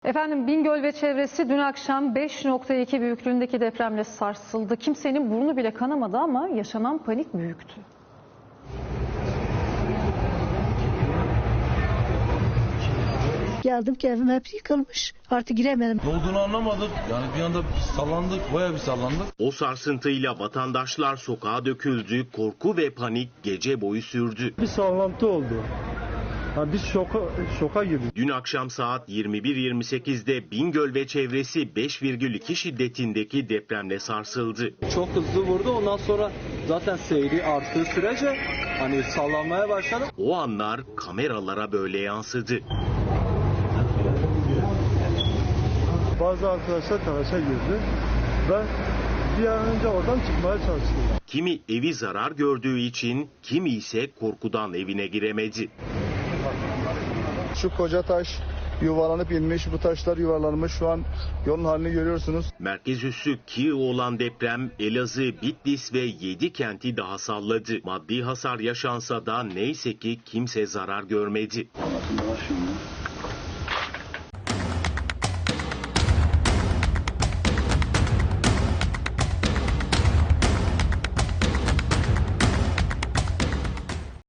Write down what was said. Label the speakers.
Speaker 1: Efendim Bingöl ve çevresi dün akşam 5.2 büyüklüğündeki depremle sarsıldı. Kimsenin burnu bile kanamadı ama yaşanan panik büyüktü.
Speaker 2: Geldim ki evim hep yıkılmış. Artık giremedim.
Speaker 3: Ne olduğunu anlamadık. Yani bir anda sallandık, bayağı bir sallandık.
Speaker 4: O sarsıntıyla vatandaşlar sokağa döküldü, korku ve panik gece boyu sürdü.
Speaker 5: Bir sallantı oldu. Biz şoka girdik.
Speaker 4: Dün akşam saat 21.28'de Bingöl ve çevresi 5,2 şiddetindeki depremle sarsıldı.
Speaker 6: Çok hızlı vurdu. Ondan sonra zaten seyri arttığı sürece hani sallanmaya başladı.
Speaker 4: O anlar kameralara böyle yansıdı.
Speaker 5: Bazı arkadaşlar telaşa girdi ve bir an önce oradan çıkmaya çalıştılar.
Speaker 4: Kimi evi zarar gördüğü için, kimi ise korkudan evine giremedi.
Speaker 7: Şu koca taş yuvarlanıp inmiş, bu taşlar yuvarlanmış, şu an yolun halini görüyorsunuz.
Speaker 4: Merkez üssü Kiev olan deprem Elazığ, Bitlis ve 7 kenti daha salladı. Maddi hasar yaşansa da neyse ki kimse zarar görmedi.